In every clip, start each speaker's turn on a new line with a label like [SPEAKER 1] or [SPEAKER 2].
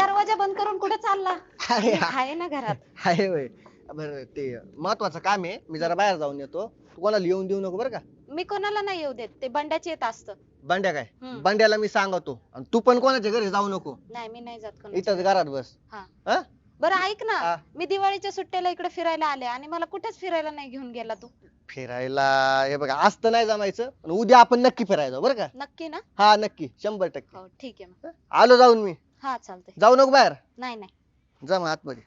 [SPEAKER 1] दरवाजा बंद करून कुठे चालला?
[SPEAKER 2] अरे
[SPEAKER 1] मी आहे ना घरात.
[SPEAKER 2] आहे होय. बरं ते महत्वाचं काम आहे, मी जरा बाहेर जाऊन येतो. तू कोणाला येऊन देऊ नको बरं का.
[SPEAKER 1] मी कोणाला नाही येऊ देत, ते बंड्याचे येत असतं.
[SPEAKER 2] बंड्या काय?
[SPEAKER 1] हम्म.
[SPEAKER 2] बंड्याला मी सांगतो आणि तू पण कोणाच्या घरी जाऊ नको.
[SPEAKER 1] नाही मी नाही जात कोणाच्या
[SPEAKER 2] इथंच
[SPEAKER 1] घरी.
[SPEAKER 2] घरात बस.
[SPEAKER 1] हा.
[SPEAKER 2] हा?
[SPEAKER 1] बरं ऐक
[SPEAKER 2] हा.
[SPEAKER 1] ना, मी दिवाळीच्या सुट्ट्याला इकडे फिरायला आले आणि मला कुठेच फिरायला नाही घेऊन गेला तू.
[SPEAKER 2] फिरायला हे बघा आज तर नाही जमायचं, पण उद्या आपण नक्की फिरायला जाऊ बरं का.
[SPEAKER 1] नक्की ना?
[SPEAKER 2] हा नक्की 100%.
[SPEAKER 1] हो ठीक आहे मग.
[SPEAKER 2] आलो जाऊन मी.
[SPEAKER 1] हा चालतंय.
[SPEAKER 2] जाऊ नको बाहेर.
[SPEAKER 1] नाही नाही.
[SPEAKER 2] जा मग आतमध्ये.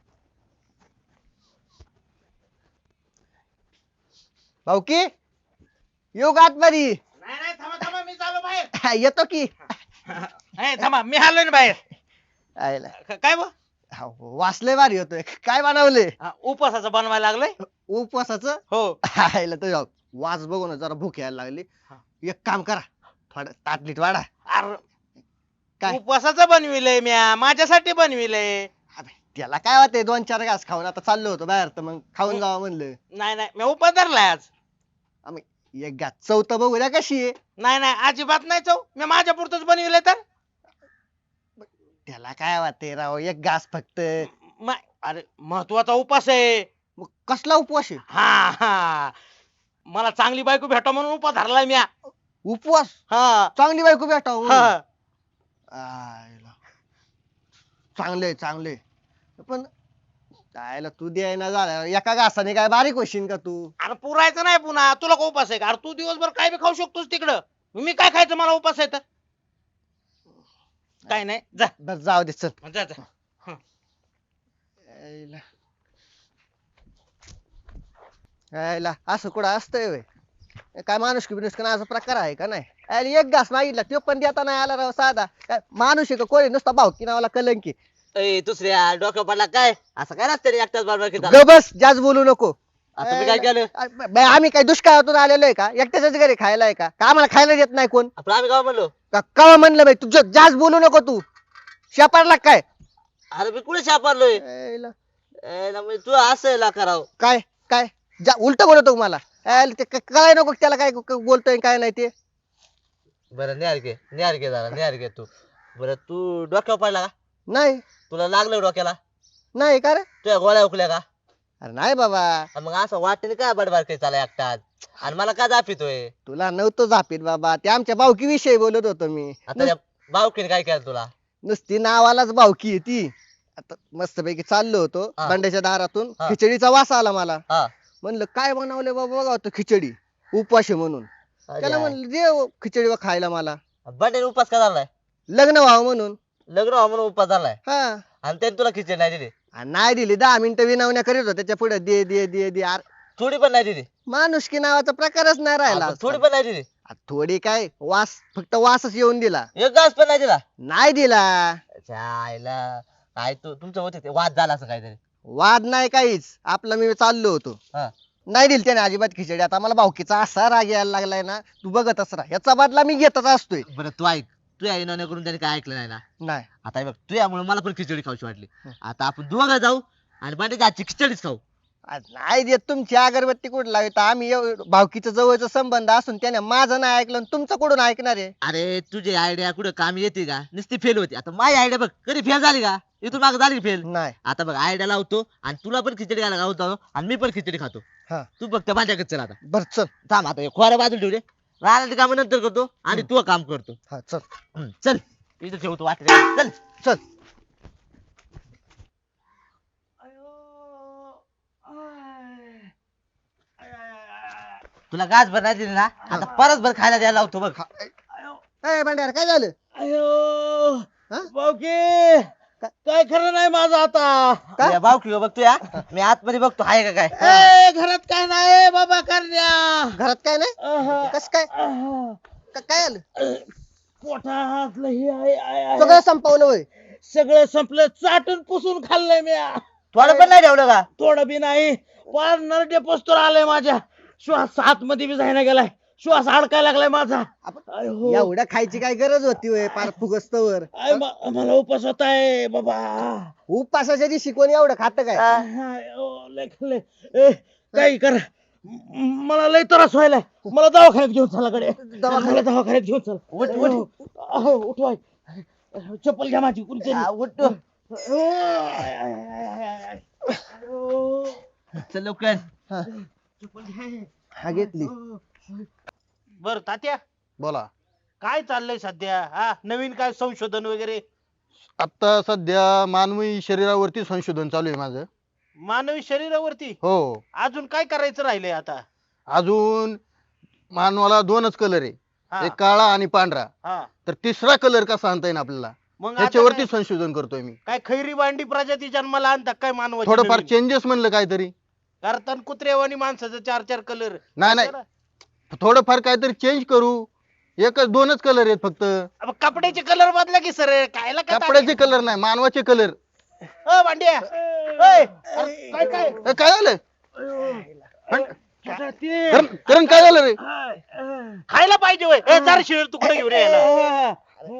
[SPEAKER 2] भाऊकी येऊ का आतमध्ये?
[SPEAKER 3] नाही नाही थांबा थांबा मी चाललो बाहेर.
[SPEAKER 2] येतो की.
[SPEAKER 3] थांबा मी आलोय ना बाहेर.
[SPEAKER 2] आयला.
[SPEAKER 3] काय बा
[SPEAKER 2] वासले भारी होतोय. काय बनवले?
[SPEAKER 3] उपवासाचं बनवायला लागलंय.
[SPEAKER 2] उपवासाचं?
[SPEAKER 3] हो.
[SPEAKER 2] आयला तर वास बघून जरा भूक यायला लागली. एक काम करा, थोडं ताटलीत वाढा.
[SPEAKER 3] अरे
[SPEAKER 2] काय?
[SPEAKER 3] उपवासाचं बनविलंय म्या, माझ्यासाठी बनविलंय.
[SPEAKER 2] अबे, त्याला काय होते 2-4 घास खाऊन आता चाललो होतो बाहेर तर मग खाऊन जावं म्हणलं.
[SPEAKER 3] नाही नाही मी उपवास धरलाय आज.
[SPEAKER 2] आम्ही एक घास चौथ बघू द्या कशी आहे.
[SPEAKER 3] नाही नाही अजिबात नाही चव, मी माझ्या पुरतच बनविलंय तर.
[SPEAKER 2] त्याला काय वाटते राव, एक घास फक्त.
[SPEAKER 3] अरे महत्वाचा उपवास आहे.
[SPEAKER 2] मग कसला उपवास आहे?
[SPEAKER 3] हा हा मला चांगली बायको भेटा म्हणून उपवास धरलाय म्या.
[SPEAKER 2] उपवास?
[SPEAKER 3] हा
[SPEAKER 2] चांगली बायको भेटावं म्हणून.
[SPEAKER 3] हा.
[SPEAKER 2] आयला. चांगले चांगले पण आयला तू द्यायना झाला एका घासाने काय बारीक होशील का तू?
[SPEAKER 3] अरे पुरायचं नाही पुन्हा, तुला का उपास आहे का? अरे तू दिवसभर काय बी खाऊ शकतोस तिकडं, मी काय खायचं, मला उपास आहे तर. काय नाही जा
[SPEAKER 2] बस जाऊ दे चल.
[SPEAKER 3] जा जा.
[SPEAKER 2] आयला. आयला असं कुठं असतंय व्हय? काय माणूस की बिनुस असा प्रकार आहे का नाही? आयला एक घास मागितला तो पण देता नाही आला राव साधा. काय माणूस आहे का कोणी नुसता भावकी नावाला कलंकी.
[SPEAKER 4] दुसऱ्या डोक्यावर पडला काय असं काय नसतं रे एकटाच बरोबर की
[SPEAKER 2] ग बस जास्त बोलू नको.
[SPEAKER 4] तुम्ही काय केलं
[SPEAKER 2] बे, आम्ही काय दुष्काळातून आलेलो आहे का? एकट्याच्याच घरी खायला आहे का? आम्हाला खायला देत नाही कोण?
[SPEAKER 4] आपण आम्ही काय म्हणलो
[SPEAKER 2] कवा म्हणलं बाई तू जास्त बोलू नको तू. शेपारला काय?
[SPEAKER 4] अरे मी कुठे सापडलोय
[SPEAKER 2] आयला.
[SPEAKER 4] तू असं करावं
[SPEAKER 2] काय काय उलट बोलतो मला. ते काय नको त्याला काय बोलतोय काय नाही ते.
[SPEAKER 4] बरं निहार घे जरा निहार घे तू. बरं तू डोक्यावर पडला का?
[SPEAKER 2] नाही
[SPEAKER 4] तुला लागलं डोक्याला?
[SPEAKER 2] नाही का रे?
[SPEAKER 4] तुझ्या गोळ्या उकल्या का?
[SPEAKER 2] अरे नाही बाबा.
[SPEAKER 4] मग असं वाटेल काय बडबाड काही चाला एकटाच आणि मला काय दापितोय?
[SPEAKER 2] तुला नव्हतं झापीत बाबा, ते आमच्या भावकी विषयी बोलत होतो मी.
[SPEAKER 4] आता त्या भावकीने काय केलं तुला?
[SPEAKER 2] नुसती नावालाच भावकी आहे ती. आता मस्त पैकी चाललो होतो
[SPEAKER 4] हा.
[SPEAKER 2] बंड्याच्या दारातून,
[SPEAKER 4] हा.
[SPEAKER 2] खिचडीचा वास आला मला.
[SPEAKER 4] हा
[SPEAKER 2] म्हणलं काय बनवले बाबा बघा तो खिचडी उपवास आहे म्हणून. त्याला म्हणलं दे खिचडी खायला मला.
[SPEAKER 4] बंडेने उपास का झालाय?
[SPEAKER 2] लग्न व्हावं म्हणून.
[SPEAKER 4] लग्न व्हावं म्हणून उपास झालाय
[SPEAKER 2] हा.
[SPEAKER 4] आणि त्याने तुला खिचडी नाही दिली?
[SPEAKER 2] आणि नाही दिली 10 मिनिटं विनवण्या करीत होता त्याच्या पुढे दे दे दे दे. अरे
[SPEAKER 4] थोडी पण नाही दिली?
[SPEAKER 2] माणुसकी नावाचा प्रकारच नाही राहिला
[SPEAKER 4] आपण थोडी
[SPEAKER 2] आजकाल.
[SPEAKER 4] पण नाही दिली?
[SPEAKER 2] थोडी काय वास, फक्त वासच येऊन दिला.
[SPEAKER 4] एक घास पण नाही दिला?
[SPEAKER 2] नाही दिला.
[SPEAKER 4] आईला काय तुमचं होते ते वाद झाला असं काहीतरी?
[SPEAKER 2] वाद नाही काहीच, आपलं मी चाललो होतो.
[SPEAKER 4] हा.
[SPEAKER 2] नाही दिली त्याने अजिबात खिचडी. आता मला भावकीचा असा राग यायला लागलाय ना, तू बघतच राहा, याचा बदला मी घेतच असतोय.
[SPEAKER 4] बरं तू ऐक, तुझ्या येणं करून त्याने काय ऐकलं नाही ना?
[SPEAKER 2] नाही
[SPEAKER 4] आता हे बघ तुझ्यामुळे मला पण खिचडी खाऊशी वाटली. आता आपण दोघं जाऊ आणि बांडेच्या आजची खिचडीच खाऊ.
[SPEAKER 2] आज नाही देत तुमची अगरबत्ती कुठं लावत. आम्ही भावकीचा जवळचा संबंध असून त्याने माझं नाही ऐकलं आणि तुमचं कुठून ऐकणार आहे?
[SPEAKER 4] अरे तुझी आयडिया कुठं काम येते का? नुसती फेल होती. आता माझी आयडिया बघ कधी फेल झाली का? इथून माग झाली फेल.
[SPEAKER 2] नाही.
[SPEAKER 4] आता बघ आयडिया लावतो आणि तुला पण खिचडी खायला लावतो आणि मी पण खिचडी खातो.
[SPEAKER 2] हा.
[SPEAKER 4] तू बघ त्या माझ्याकडे चल आता.
[SPEAKER 2] बर चल.
[SPEAKER 4] थांब आता हे खोऱ्या बाजूला ठेवले, राहिलं काम नंतर करतो आणि तू काम करतो.
[SPEAKER 2] हा चल.
[SPEAKER 4] चल इथं ठेवतो वाटलं चल.
[SPEAKER 2] चल.
[SPEAKER 4] तुला गाज भर नाही दिली ना, आता परत भर खायला द्यायला लावतो बघ.
[SPEAKER 2] ए भांड्यार काय झालं?
[SPEAKER 3] अयो
[SPEAKER 2] हा?
[SPEAKER 3] बावकी काय खरं नाही माझं आता.
[SPEAKER 2] का?
[SPEAKER 4] या भाऊ किंवा बघतो या मी आतमध्ये बघतो आहे का काय.
[SPEAKER 3] ए घरात काय नाही बाबा करण्या.
[SPEAKER 2] घरात काय नाही? कस काय? काय आलं?
[SPEAKER 3] पोटातलं हे आहे
[SPEAKER 2] सगळं संपवलं होय?
[SPEAKER 3] सगळं संपलं, चाटून पुसून खाल्लंय मी.
[SPEAKER 4] थोडं पण नाही ठेवलं का?
[SPEAKER 3] थोडं बी नाही, पार नरडे पोस्टर आलंय माझ्या. श्वास आत मध्ये बी जायला गेलाय, श्वास अडकायला लागलाय माझा. अयो.
[SPEAKER 2] एवढ्या खायची काय गरज होती होय पार फुगस्तवर?
[SPEAKER 3] मला उपास होत आहे बाबा.
[SPEAKER 2] उपासाच्या दिवशी कोणी एवढं खात काय?
[SPEAKER 3] अयो, लय खाल्लंय. ए, काही कर, मला लय त्रास व्हायलाय. मला दवाखान्यात घेऊन चला कडे. मला दवाखान्यात घेऊन चला.
[SPEAKER 4] उठ.
[SPEAKER 3] उठवाय. चप्पल घ्या माझी.
[SPEAKER 4] उठ चल लवकर.
[SPEAKER 2] हा घेतली.
[SPEAKER 3] बर तात्या,
[SPEAKER 5] बोला.
[SPEAKER 3] काय चाललंय सध्या? हा, नवीन काय संशोधन वगैरे?
[SPEAKER 5] आता सध्या मानवी शरीरावरती संशोधन चालू आहे माझं.
[SPEAKER 3] मानवी शरीरावरती?
[SPEAKER 5] हो.
[SPEAKER 3] अजून काय करायचं राहिलंय आता?
[SPEAKER 5] अजून मानवाला दोनच कलर आहे,
[SPEAKER 3] हा,
[SPEAKER 5] एक काळा आणि पांढरा.
[SPEAKER 3] हा.
[SPEAKER 5] तर तिसरा कलर कसा आणता येईल आपल्याला,
[SPEAKER 3] मग आता
[SPEAKER 5] ह्याच्यावरती
[SPEAKER 3] काय-
[SPEAKER 5] संशोधन करतोय मी.
[SPEAKER 3] काय खैरी बांडी प्रजाती जन्माला आणतात काय मानवाची?
[SPEAKER 5] थोडंफार
[SPEAKER 3] नवीन?
[SPEAKER 5] चेंजेस म्हणलं काहीतरी.
[SPEAKER 3] करताना कुत्र्यावानी माणसाचं 4-4 कलर.
[SPEAKER 5] नाही नाही, थोडंफार काहीतरी चेंज करू. एकच दोनच कलर आहेत फक्त.
[SPEAKER 3] कपड्याचे कलर बदला की सर. कायला काय
[SPEAKER 5] कपड्याचे कलर नाही, मानवाचे कलर.
[SPEAKER 3] भांड्या काय काय
[SPEAKER 5] काय झालं
[SPEAKER 3] ते
[SPEAKER 5] करण, काय झालं रे?
[SPEAKER 3] खायला पाहिजे वय. जरा शिळ तुकडे घेऊन ये याला.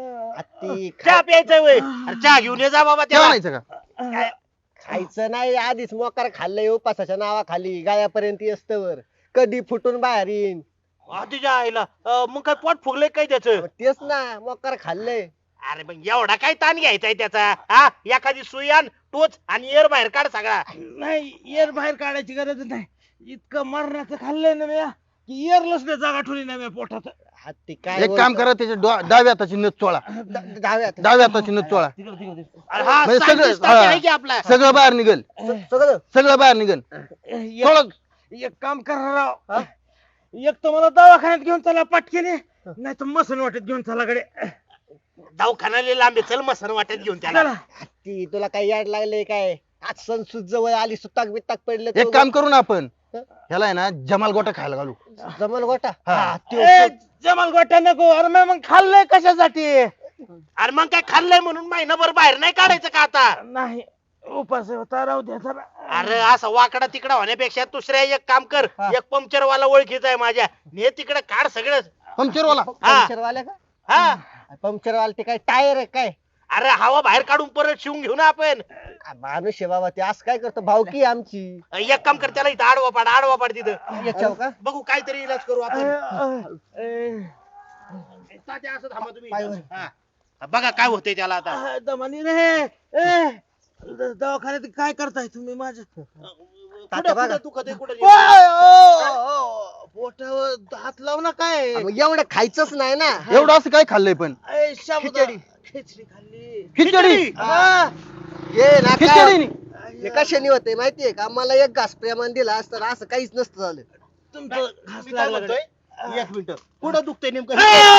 [SPEAKER 2] हत्ती
[SPEAKER 3] चहा प्यायचा वय. अरे चहा घेऊन ये जा बाबा
[SPEAKER 5] काय
[SPEAKER 3] त्याला.
[SPEAKER 5] म्हणायचं का?
[SPEAKER 2] खायचं नाही, आधीच मोकार खाल्लंय उपासाच्या नावाखाली गायापर्यंत असतवर कधी फुटून बाहेर येईन.
[SPEAKER 3] तुझ्या आईला मग काय पोट फुगलंय काय त्याचं?
[SPEAKER 2] तेच ना, मोकार खाल्लंय.
[SPEAKER 3] अरे मग एवढा काय ताण घ्यायचाय त्याचा? हा, एखादी सुई आण, टोच आणि एअर बाहेर काढ सगळा.
[SPEAKER 6] नाही, एअर बाहेर काढायची गरज नाही. इतकं मरणाचं खाल्लंय ना म्या की एअरलच नाही जागा ठेवली नाही म्या पोटात.
[SPEAKER 2] हत्ती काय
[SPEAKER 5] एक काम करा, त्याच्या डाव्या हाताची नथ चोळा.
[SPEAKER 2] डाव्यात
[SPEAKER 5] डाव्या हाताची नथ चोळा.
[SPEAKER 3] अरे हा
[SPEAKER 5] म्हणजे सगळं-
[SPEAKER 3] scientist तात्या
[SPEAKER 5] हा.
[SPEAKER 3] आहे की आपला.
[SPEAKER 5] सगळं बाहेर निघल,
[SPEAKER 2] सगळं
[SPEAKER 5] सगळं बाहेर निघल. थोडं
[SPEAKER 6] एक काम करा राव, एक तर मला दवाखान्यात घेऊन चला पटकेने, नाही तर मसन वाटत घेऊन चला कडे.
[SPEAKER 3] दवाखान्याला लांबे चल मसन वाटत घेऊन त्याला.
[SPEAKER 6] चला.
[SPEAKER 2] हत्ती तुला काय याड लागले काय? आज सणसूद जवळ आली, सुताक बिताक पडलं
[SPEAKER 5] एक काम करू ना आपण, ह्याला आहे ना जमाल गोटा खायला घालू.
[SPEAKER 2] जमल गोटा.
[SPEAKER 5] हा.
[SPEAKER 2] हा, त्यो-
[SPEAKER 6] ए, जमाल गोट्या नको. अरे म्या मग खाल्लंय कशासाठी?
[SPEAKER 3] अरे मग काय खाल्लंय म्हणून महिनाभर बाहेर नाही काढायचं का आता?
[SPEAKER 6] नाही, उपास होता, राहू द्या जरा.
[SPEAKER 3] अरे असा वाकडा तिकडा होण्यापेक्षा दुसऱ्या एक काम कर. एक पंक्चर वाला ओळखीचा आहे माझ्या, ने तिकडे काढ सगळं.
[SPEAKER 5] पंक्चरवाला.
[SPEAKER 2] पंक्चरवाल्या का?
[SPEAKER 3] हा,
[SPEAKER 2] पंक्चरवाला ते काय टायर आहे काय?
[SPEAKER 3] अरे हवा बाहेर काढून परत शिवून घेऊ ना आपण.
[SPEAKER 2] माणूस आहे बाबा, ते असं काय करतो? भावकी आहे आमची.
[SPEAKER 3] एक काम कर, त्याला इथं आडवा पाड तिथं.
[SPEAKER 2] याच्यावर का?
[SPEAKER 3] बघू काहीतरी इलाज करू आपण.
[SPEAKER 6] ए,
[SPEAKER 3] तात्या, असं थांबा तुम्ही
[SPEAKER 2] पायवर.
[SPEAKER 3] इथं. हा. बघा काय होतंय त्याला आता.
[SPEAKER 6] दमानी रे. ए, दवाखान्यात काय करताय तुम्ही माझ्या?
[SPEAKER 2] तात्या बघा.
[SPEAKER 3] कुठं दुखत आहे, कुठं
[SPEAKER 6] ओय, ओ, ओ, पोटावर हात लावू ना काय?
[SPEAKER 2] मग एवढं खायचंच नाही ना.
[SPEAKER 5] एवढं असं काय खाल्लंय पण?
[SPEAKER 6] ए, साबुदाणा. खिचडी खाल्ली.
[SPEAKER 5] खिचडी.
[SPEAKER 6] हा.
[SPEAKER 2] ये ना काय?
[SPEAKER 5] खिचडी.
[SPEAKER 2] हे कशाने होते माहितीये का? मला एक घास प्रेमान दिला असतं असं काहीच नसतं झालं.
[SPEAKER 6] तुमचं घास
[SPEAKER 3] मी काय
[SPEAKER 6] लागला
[SPEAKER 3] म्हणतोय? एक मिनिट, कुठं दुखतंय नेमकं?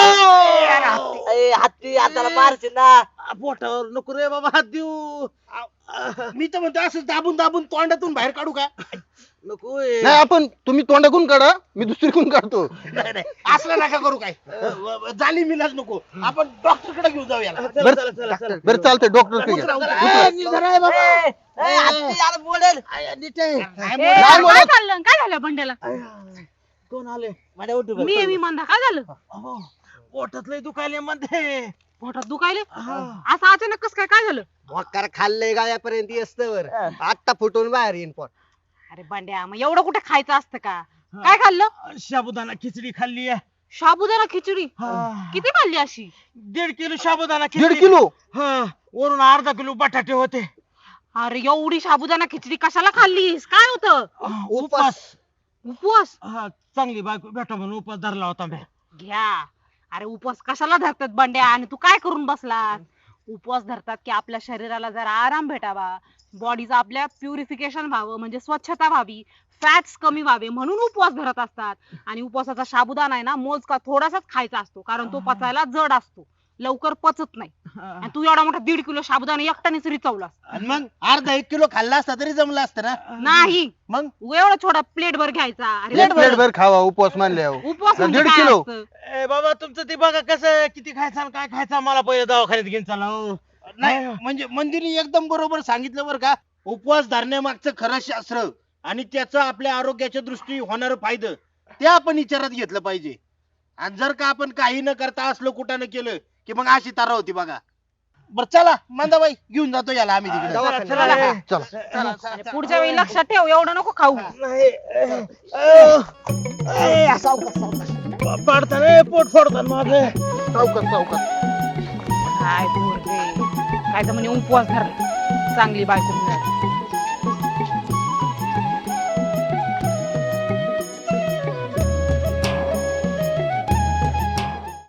[SPEAKER 4] हत्ती हाताला मारशील ना.
[SPEAKER 6] पोटावर नको रे बाबा हात देऊ.
[SPEAKER 3] मी तर म्हणतो असं दाबून दाबून तोंडातून बाहेर काढू का?
[SPEAKER 6] नको
[SPEAKER 5] नाही, आपण तुम्ही तोंडाकून काढा, मी दुसरीकडून काढतो.
[SPEAKER 3] नाही नाही, असलं नका करू काय. झाली मिलाज नको. आपण डॉक्टर कडे घेऊन जाऊ याला.
[SPEAKER 6] चला चला चला चला.
[SPEAKER 5] बरं चालतंय, डॉक्टर
[SPEAKER 3] उतरा, उतरा.
[SPEAKER 6] ए, नीट धरा रे बाबा.
[SPEAKER 4] ए, हत्ती यार बोलेल.
[SPEAKER 6] आय, नीट आहे.
[SPEAKER 3] नाही
[SPEAKER 1] ए,
[SPEAKER 3] बोलत.
[SPEAKER 1] काय चाललं? काय झालं बंड्याला?
[SPEAKER 6] कोण आले?
[SPEAKER 4] माझ्या उठू बघ.
[SPEAKER 1] मी म्हणता काय झालं?
[SPEAKER 6] अहो, पोटात लय दुखायले मध्ये.
[SPEAKER 1] पोटात दुखायले?
[SPEAKER 6] हा.
[SPEAKER 1] असं अचानक कस काय झालं?
[SPEAKER 2] मोकार खाल्लंय गायापर्यंत असतवर आता फुटून बाहेर येईन पोट.
[SPEAKER 1] अरे बंड्या, मग एवढं कुठे खायचं असतं का? काय खाल्लं?
[SPEAKER 6] साबुदाणा खिचडी खाल्ली आहे.
[SPEAKER 1] साबुदाणा खिचडी?
[SPEAKER 6] हा.
[SPEAKER 1] किती खाल्ली अशी?
[SPEAKER 6] 1.5 किलो साबुदाणा खिचडी.
[SPEAKER 5] 1.5 किलो.
[SPEAKER 6] हा, वरून अर्धा किलो बटाटे होते.
[SPEAKER 1] अरे एवढी साबुदाणा खिचडी कशाला खाल्लीस? काय होतं?
[SPEAKER 6] उपास.
[SPEAKER 1] उपवास?
[SPEAKER 6] हा, चांगली बायको भेटा म्हणून उपास धरला होता मी.
[SPEAKER 1] घ्या. अरे उपवास कशाला धरतात बंड्या? आणि तू काय करून बसलास? उपवास धरतात की आपल्या शरीराला जरा आराम भेटावा, बॉडीचं आपल्या प्युरिफिकेशन व्हावं, म्हणजे स्वच्छता व्हावी, फॅट्स कमी व्हावे म्हणून उपवास धरत असतात. आणि उपवासाचा साबुदाणा आहे ना, मोजका थोडासाच खायचा असतो, कारण तो पचायला जड असतो, लवकर पचत नाही. आणि तू एवढा मोठा 1.5 किलो साबुदाणा एकट्यानेच रिचवलास.
[SPEAKER 3] आणि मग अर्धा 1 किलो खाल्ला असता तरी जमलं असतं ना.
[SPEAKER 1] नाही,
[SPEAKER 3] मग
[SPEAKER 1] एवढा छोटा प्लेट भर घ्यायचा. अरे
[SPEAKER 5] प्लेट भर खावा, उपवास मानल्यावर.
[SPEAKER 1] उपवास म्हणजे
[SPEAKER 5] 1.5
[SPEAKER 1] काय
[SPEAKER 5] किलो.
[SPEAKER 1] असतं?
[SPEAKER 6] ए बाबा, तुमचं ते बघा कसं किती खायचं आणि काय खायचं, मला पहिले दवाखान्यात घेऊन चला हो.
[SPEAKER 3] नाही, म्हणजे मंदिरने एकदम बरोबर सांगितलं बरं का. उपवास धरण्यामागचं खरं शास्त्र आणि त्याचं आपल्या आरोग्याच्या दृष्टी होणार फायदा ते आपण विचारात घेतलं पाहिजे. आणि जर का आपण काही न करता असलो कुठं न केलं की मग अशी तारा होती बघा. बर चला मंदाबाई, घेऊन जातो याला आम्ही तिकडे.
[SPEAKER 2] दवाखान्यात.
[SPEAKER 6] चला, चला.
[SPEAKER 5] चला.
[SPEAKER 3] चला, चला,
[SPEAKER 1] आणि
[SPEAKER 3] चला.
[SPEAKER 1] पुढच्या वेळी लक्षात ठेव, एवढं नको खाऊ.
[SPEAKER 6] नाही. पाडता रे, पोट फोडतात माझं.
[SPEAKER 5] सावकाश सावकाश.
[SPEAKER 1] काय बोल रे, काय तर म्हणे उपवास धरला. चांगली बायको